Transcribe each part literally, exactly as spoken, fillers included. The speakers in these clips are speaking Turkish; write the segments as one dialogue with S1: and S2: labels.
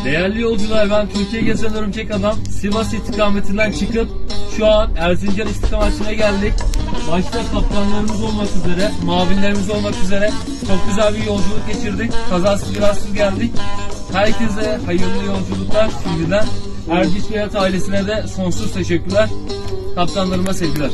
S1: Değerli yolcular, ben Türkiye Gezen Örümcek Adam. Sivas istikametinden çıkıp şu an Erzincan istikametine geldik. Başta kaptanlarımız olmak üzere, mavinlerimiz olmak üzere çok güzel bir yolculuk geçirdik. Kazasız belasız geldik. Herkese hayırlı yolculuklar şimdiden. Erciş Beyat ailesine de sonsuz teşekkürler. Kaptanlarıma sevgiler.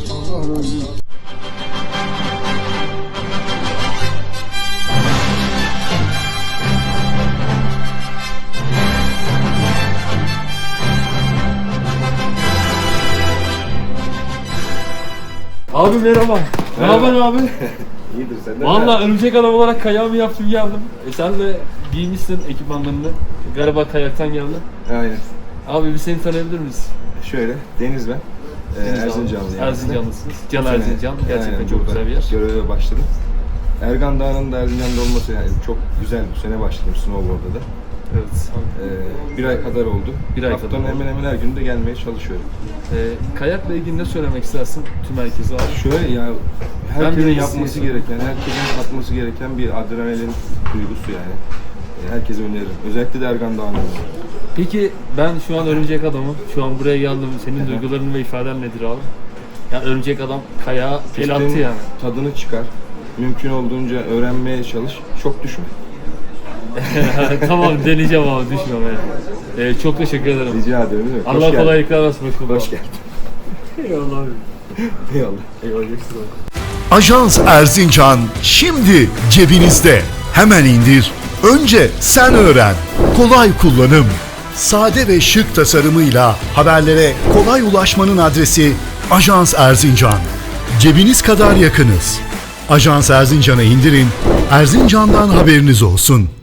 S1: Abi merhaba. Ne haber abi?
S2: İyidir, sen de.
S1: Vallahi örümcek adam olarak kayağımı yaptım geldim. E sen de giymişsin ekipmanlarını. Galiba kayaktan geldin.
S2: Aynen.
S1: Abi bir seni tanıyabilir miyiz?
S2: Şöyle, Deniz ben. Ee, Erzincanlıyım.
S1: Erzincanlısınız. Can
S2: Bu sene-
S1: Erzincan. Gerçekten
S2: Aynen,
S1: çok
S2: burada
S1: güzel bir yer.
S2: Göreve başladım. Ergan Dağı'nın da Erzincan'da olması yani çok güzel. Bu sene başladım snowboard'da da.
S1: Evet.
S2: Ee, bir ay kadar oldu.
S1: Bir ay
S2: Haftanın
S1: kadar oldu.
S2: hemen hemen her gün de gelmeye çalışıyorum.
S1: E, kayakla ilgili ne söylemek istersin tüm herkese abi?
S2: Şöyle ya,
S1: Ben
S2: herkesin
S1: bir
S2: yapması
S1: iyisiyim.
S2: gereken, herkesin atması gereken bir adrenalin duygusu yani. Ee, herkese öneririm. Özellikle de Ergan Dağı'nda.
S1: Peki ben şu an örümcek adamım. Şu an buraya geldim. Senin duyguların ve ifaden nedir abi? Yani örümcek adam kayağa el attı
S2: Pistin
S1: yani.
S2: tadını çıkar. Mümkün olduğunca öğrenmeye çalış. Çok düşme.
S1: Tamam, deneyeceğim abi, düşmemeye. Ee, çok teşekkür ederim.
S2: Rica ederim. Değil mi? Hoş
S1: Allah
S2: geldin.
S1: kolaylıklar versin. Hoş bulduk.
S2: Hoş geldin.
S1: Eyvallah abi.
S2: Eyvallah.
S1: Eyvallah. ekstra.
S3: Ajans Erzincan şimdi cebinizde. Hemen indir. Önce sen öğren. Kolay kullanım. Sade ve şık tasarımıyla haberlere kolay ulaşmanın adresi Ajans Erzincan. Cebiniz kadar yakınız. Ajans Erzincan'ı indirin. Erzincan'dan haberiniz olsun.